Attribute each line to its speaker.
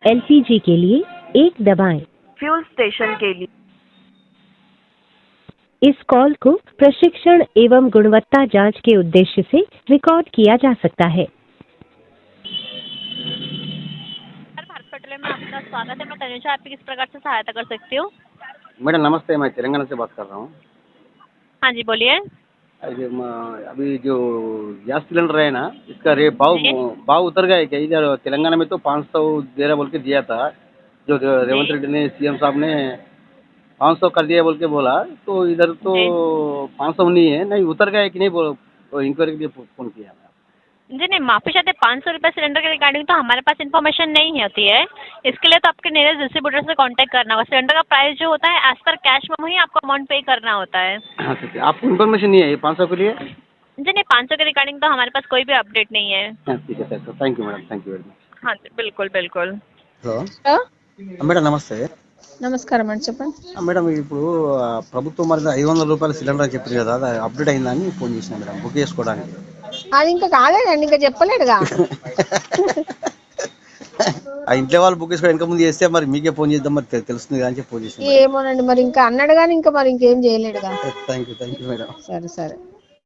Speaker 1: LPG के लिए 1 दबाएं।
Speaker 2: फ्यूल स्टेशन के लिए।
Speaker 1: इस कॉल को प्रशिक्षण एवं गुणवत्ता जांच के उद्देश्य से रिकॉर्ड किया जा सकता है।
Speaker 3: भारत पेट्रोलियम में आपका स्वागत है। मैं तनुजा आपकी किस प्रकार से सहायता कर सकती हूँ?
Speaker 4: मैडम नमस्ते, मैं तेलंगाना से बात कर रहा हूँ।
Speaker 3: हाँ जी, बोलिए।
Speaker 4: अभी जो गैस सिलेंडर है ना, इसका भाव उतर गया है क्या? इधर तेलंगाना में तो 500 दे रहा बोल के दिया था, जो रेवंत रेड्डी ने, सीएम साहब ने 500 कर दिया बोल के बोला, तो इधर तो 500 नहीं है, नहीं उतर गया है कि नहीं, वो इंक्वायरी के लिए फ़ोन किया मैं।
Speaker 3: जी नहीं, माफ़ी चाहते 500 रुपये सिलेंडर के रिगार्डिंग तो हमारे पास इन्फॉर्मेशन नहीं होती है। इसके लिए तो आपके नियरेस्ट डिस्ट्रीब्यूटर से कांटेक्ट करना होगा। सिलेंडर का प्राइस जो होता है एज पर कैश में ही आपको अमाउंट पे करना होता है।
Speaker 4: अच्छा, आपको इन्फॉर्मेशन नहीं है ये 500 के लिए?
Speaker 3: जी नहीं, 500 के रिगार्डिंग तो हमारे पास कोई भी अपडेट नहीं है।
Speaker 4: ठीक है sir, thank you madam, thank you very much.
Speaker 3: हाँ जी, बिल्कुल बिल्कुल।
Speaker 4: హలో మేడం నమస్తే.
Speaker 5: నమస్కారం అండి, చెప్పండి.
Speaker 4: మేడం ఇప్పుడు ప్రభుత్వం మరి 500 రూపాయల సిలిండర్ అని చెప్పింది కదా, అది అప్డేట్ అయిందని ఫోన్ చేసిన మేడం, బుక్ చేసుకోవడానికి.
Speaker 5: అది ఇంకా కాలేదండి, ఇంకా చెప్పలేడుగా.
Speaker 4: ఆ ఇంట్లో వాళ్ళు బుక్ చేసుకోవడం ఇంకా ముందు చేస్తే మరి మీకే ఫోన్ చేద్దాం, మరి తెలుస్తుంది కదా అని చెప్పి ఫోన్ చేసిన.
Speaker 5: ఏమోనండి, మరి ఇంకా అన్నాడు కానీ ఇంకా మరి ఇంకేం చేయలేడుగా.
Speaker 4: Thank you madam.
Speaker 5: సరే సరే.